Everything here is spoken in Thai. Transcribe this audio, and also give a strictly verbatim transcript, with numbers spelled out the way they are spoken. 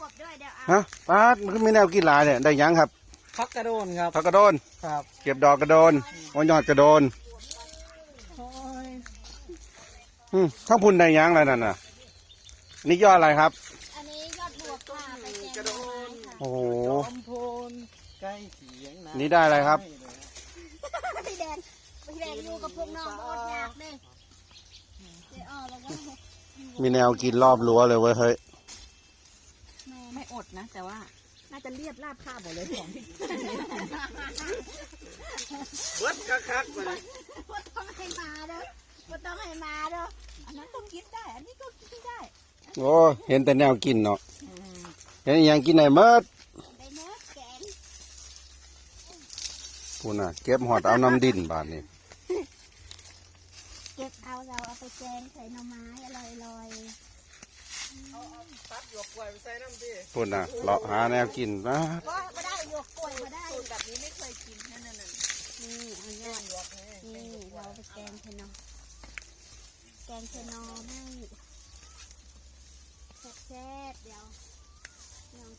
บด้วยเดี๋ยวเอาฮะป้าดมันก็มีแนวกินหลายเนี่ยได้หยังครับพักกระโดนครับผักกระโดนครับเก็บดอกกระโดนโอ้ยอดกระโดนโอ้ยอืมข้างพุ่นได้หยังอะไรนั่นน่ะนี่ยอดอะไรครับอันนี้ยอดบวบค่ะไปแกงหน่อไม้ค่ะโอ้โหจอมพลใกล้เสียงะนี่ได้อะไรครับพี่แดงพี่แดงอยู่กับพวกน้องอดอยากเลยเดี๋ยวออกแล้วก็มีแนวกินรอบรั้วเลยเว้ยเฮ้ยแม่ไม่อดนะ แต่ว่าน่าจะเรียบราบคาบหมดเลยของที่เบิดคักๆไปเลยว่าต้องให้มาเด้อว่าต้องให้มาเด้ออันนั้นต้องกินได้ อันนี้ก็กินได้โอ้เห็นแต่แนวกินเนาะเห็นอหยังกินไหนเมิดได้เนื้อแกงพูนน่ะเก็บหอดเอาน้ำดินบาดนี้เก็บเอาเราเอาไปแกงใส่หน่อไม้อร่อยๆเอาเอาตัดหยวกกล้วยไปใส่น้ำดิพูนน่ะเลาะหาแนวกินนะว่าไม่ได้หยวกกล้วยไม่ได้สูตรแบบนี้ไม่เคยกินนั่นน่ะนี่เอายอดนี่เราไปแกงเทนอแกงเทนอไม่แซ่บๆเดี๋ยว